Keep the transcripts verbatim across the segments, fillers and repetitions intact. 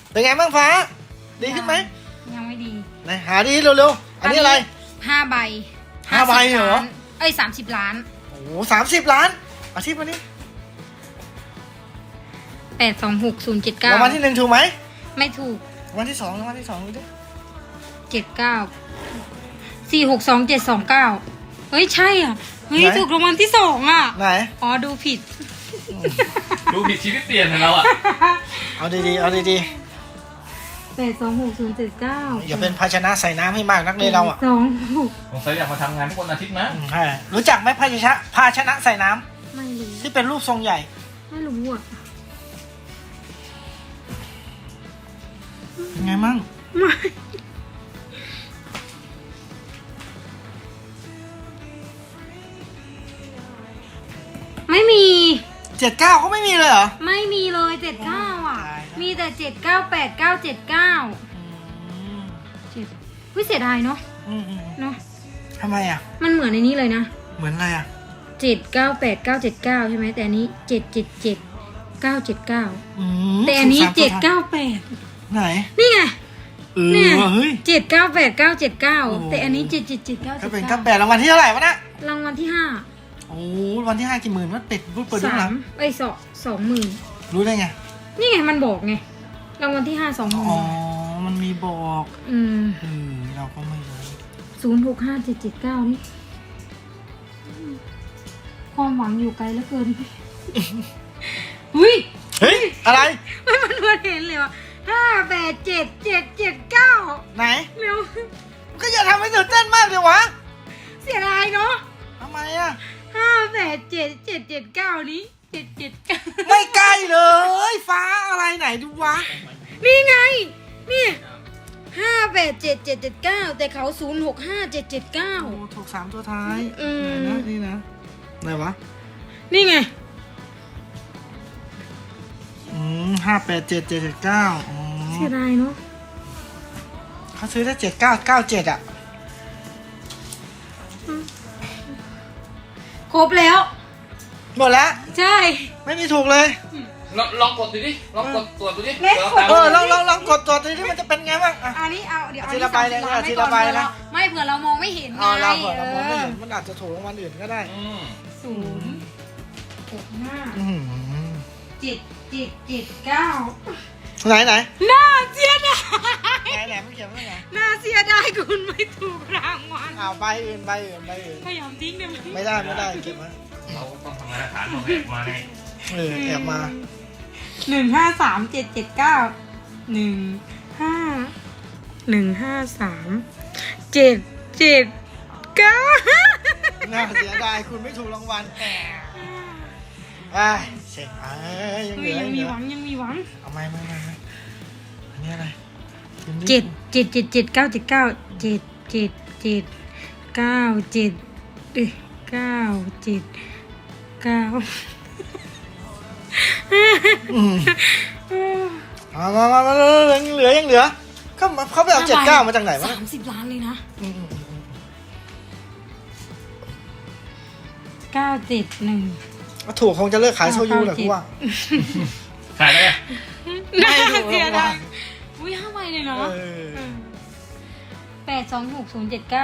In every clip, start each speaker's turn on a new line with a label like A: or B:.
A: เป็นไงบ้างฟ้าดีขึ้นไหม
B: ยังไม่ดี
A: ไหนหาดีเร็วๆอันนี้อะไร
B: ห้าใบ
A: ห้าใบเหรอ
B: ล้านเอ้ยสามสิบล้าน
A: โอ้โหสามสิบล้านอาชีพวันนี้
B: แปดสองหกศูนย์เจ็ดเก้าร
A: างวัลที่หนึ่งถูกไหม
B: ไม่ถูก
A: รางวัลที่สองรางวัลที่สองดูดิ
B: เจ็ดเก้าสี่หกสองเจ็ดสองเก้าเฮ้ยใช่อ่ะเฮ้ยถูกรางวัลที่สองอ่ะ
A: ไหน
B: อ๋อดูผิด
C: ดูผิดชีวิตเปลี่ยนของเราอ่ะ
A: เอาดีๆเอาดี
B: แปดสองหกศูนย์เจ็ดเก้า
A: ๆอย่าเป็นภาชนะใส่น้ำให้มากนักเลยเราอ่ะ
B: สองหก
C: สงสัยอยากมาทำงานทุกวันอาทิตย์นะ
A: อืมใช่รู้จักไหมภาชนะภาชนะใส่น้ำ
B: ไม่รู้
A: ที่เป็นรูปทรงใหญ่
B: ไม่รู้อ่ะ
A: เป็นไงมั่ง
B: ไม่ไม่มี
A: เจ็ดเก้าเขาไม่มีเลยเหรอ
B: ไม่มีเลยเจ็ดเก้าอ่ะ
A: ตายแล้ว
B: มีแต่เจ็ดเก้าแปดเก้าเจ็ดเก้า
A: อืม
B: เจ็ดวิเสียดายเนาะ
A: อืมอืม
B: เนาะ
A: ทำไมอ่ะ
B: มันเหมือนในนี้เลยนะ
A: เหมือนอะไรอ่ะ
B: เจ็ดเก้าแปดเก้าเจ็ดเก้าใช่ไหมแต่อันนี้เจ็ดเจ็ดเจ็ดเก้าเจ็ดเก้า
A: อืม
B: แต่อันนี้
A: ถูสม
B: เจ็ด
A: ตัว
B: เก้าแปด
A: ไหน
B: นี่ไง
A: เออ
B: เนี่ย
A: เฮ้ย
B: เจ็ดเก้าแปดเก้าเจ็ดเก้า
A: โอ้โห
B: แต่อันนี้เจ็ดเจ็ดเจ็ดเก้า
A: ถ้า
B: เจ็ด
A: เป็น
B: เก้า
A: เก้าแปดรางวัลที่เท่าไหร่วะนะ
B: รางวัลที่ห้า
A: โอ้วันที่ห้ากี่หมื่นวะเป็ดพูดเปิดดูห
B: สา
A: ลั
B: ม
A: ง
B: ไอ้ยสองสองหมื่น
A: รู้ได้ไง
B: นี่ไงมันบอกไงรางวัลที่ห้าสองหมื่น
A: อ๋อมันมีบอก
B: อืม
A: เออเราก็ไม่รู้
B: ศูนย์หกห้าเจ็ดเจ็ดเก้านี่ความหวังอยู่ไกลเหลือเกินอุ้ย
A: เฮ้ยอะไร
B: ไม่มันมันเห็นเลยว่ะห้าแปดเจ็ดเจ็ดเจ็ดเก้า
A: ไหน
B: เร็ว
A: ก็อย่าทำให้ตื่นเต้นมากเลยวะ
B: เสียดายเนาะ
A: ทำไมอ่ะ
B: ห้าแปดเจ็ดเจ็ดเจ็ดเก้านี้เจ็ดเจ็ดเก้า
A: ไม่ใกล้เลย ฟ้าอะไรไหนดูวะ
B: นี่ไงนี่ห้าแปดเจ็ดเจ็ดเจ็ดเก้าแต่เขาศูนย์หกห้าเจ็ดเจ็ดเก้า
A: โอ้ถูกสามตัวท้าย
B: อืม
A: ไหนนะนี่นะไหนวะ
B: นี่ไง
A: อืมห้าแปดเจ็ดเจ็ดเจ็ดเก้าอ๋อ
B: เสียดายเนาะ
A: เขาซื้อได้เจ็ดเก้าเก้าเจ็ดอ่ะ
B: ครบแล้ว
A: หมดแล้ว
B: ใช่
A: ไม่มีถูกเลย
C: ลองลองกดดูดิลองกดตรวจดูดิ
B: เล็ก
C: เราตาม
A: เออลองลองลองกดตัวนี้มันจะเป็นไงบ้างอ่ะ
B: อันนี้เอาเดี๋ยว
A: ทีละใบเลย
B: อันนี้
A: ทีละใบ
B: สามสิ
A: นะ
B: ล้านไม่เผื่อเรามองไม่เห็นไง
A: เอาเราเผื่อเรามองไม่เห็นมันอาจจะถูกรางวัลอื่นก็ได้
C: อืม
B: ศูนย์หกห้า
A: อืม
B: เจ็ดเจ็ดเจ็ดเก้า
A: ไหนไหน
B: น่าเสียดาย
A: ไหนไหนมันเขียนว่าไง
B: น่าเสียดายคุณไม่ถูกรางวัล
A: อ้าวใบอื่นใบอื่นใบอื่น
B: พยายามทิ้งได้ไหม
A: ไม่ได้ไม่ได้เก็บไว้
C: เราต้องทำงานฐานของแอบมาไง
A: เออแอบมา
B: หนึ่งห้าสามเจ็ดเจ็ดเก้าหนึ่งห้าหนึ่งห้าสามเจ็ดเจ็ดเก้า
A: น่าเสียดายคุณไม่ถูกรางวัลอ่าเช็คอ่ายังเห
B: เฮ้
A: ลื
B: ย
A: อ
B: ยั
A: ยัง งเห
B: มี
A: ลือ
B: หวังยังมีหวัง
A: เอาไม่ไม่ไม่ไม่อันนี้อะไร
B: เจ็ดเจ็ดเจ็ดเจ็ดเก้าเจ็ดเก้าเจ็ดเจ็ดเจ็ดเก้าเจ็ดเอ้ยเก้าเจ็ดเก้า
A: อืมเอามามามายังเหลือยังเหลือเขาเขาไปเอาเจ็ดเก้ามาจากไหนวะ
B: สามสิบล้านเลยนะ
A: อืมอืมอืม
B: เก้าเจ็ดหนึ่ง
A: เอาถูกคงจะเลิกขายโซยูแหละกูว่า
C: ขายได้ไง
A: ไม่ถูก
B: เสีย
A: รางวั
B: ดา
A: ล
B: ยอุ้ยห้าใบเลยเนาะ
A: เออ
B: แปดสองหกศูนย์เจ็ดเก้า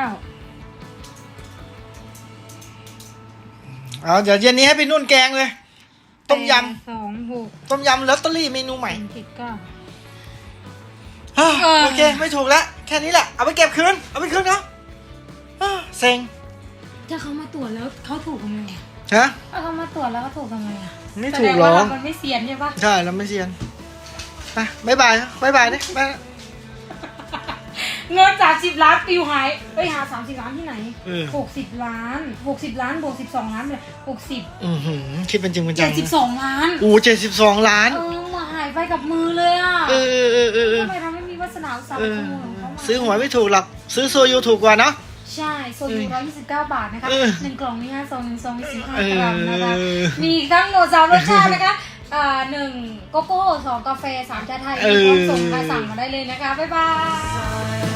A: เอาเดี๋ยวเย็นนี้ให้พี่นุ่นแกงเลย ต้มย
B: สองหก
A: ำต้มยำลอตเตอรี่เมนูใหม่
B: เจ็ดเก้า
A: เฮ้ย
B: เออ
A: โอเคไม่ถูกแล้วแค่นี้แหละเอาไปเก็บคืนเอาไปคืนเนาะเฮ้ยเซ็ง
B: ถ้าเขามาตรวจแล้วเขาถูกทำไงอะ
A: ฮะ
B: ถ้าเขามาตรวจแล้วเขาถูกทำไงอ่ะ
A: ไม่ถูกหรอ
B: แสดงว่ามันไม่เซียนใช่ปะ
A: ใช่เราไม่เซียนไปบ๊ายบายบ๊ายบายดิบ๊าย
B: เงินสามสิบล้านปิวหายเอ้ยหาสามสิบล้านที่ไหน
A: เออ
B: หกสิบล้านหกสิบล้านบวกสิบสองล้านเลยหกสิบ
A: อือหือคิดเป็นจริงเป็นจั
B: เจ็
A: ง
B: ดสิบสองล้าน
A: อู้เจ็ดสิบสองล้าน
B: เออมาหายไปกับมือเลยอ่ะ
A: เออเออเออเออเออ
B: ทำไมเราไม่มีวาสนาอุตสาห
A: เอก
B: ร
A: อ
B: รมของเขามา
A: ซื้อหวยไม่ถูกหรอกซื้อโซยูถูกกว่าเนาะ
B: ใช่โซยูร้อยยี่สิบเก้าบาทนะคะ
A: เออ
B: หนึ่งกล่องมีห้าซองหนึ่งซองมีสิบห้า
A: เอก
B: รัมนะคะ
A: อ
B: มีทั้งหมดสามรสชาตินะคะอ่าหนึ่งโกโก้สองกาแฟสามชาไทย
A: เออ
B: พร้อมส่งค่ะสั่งมาได้เลยนะคะบ๊ายบาย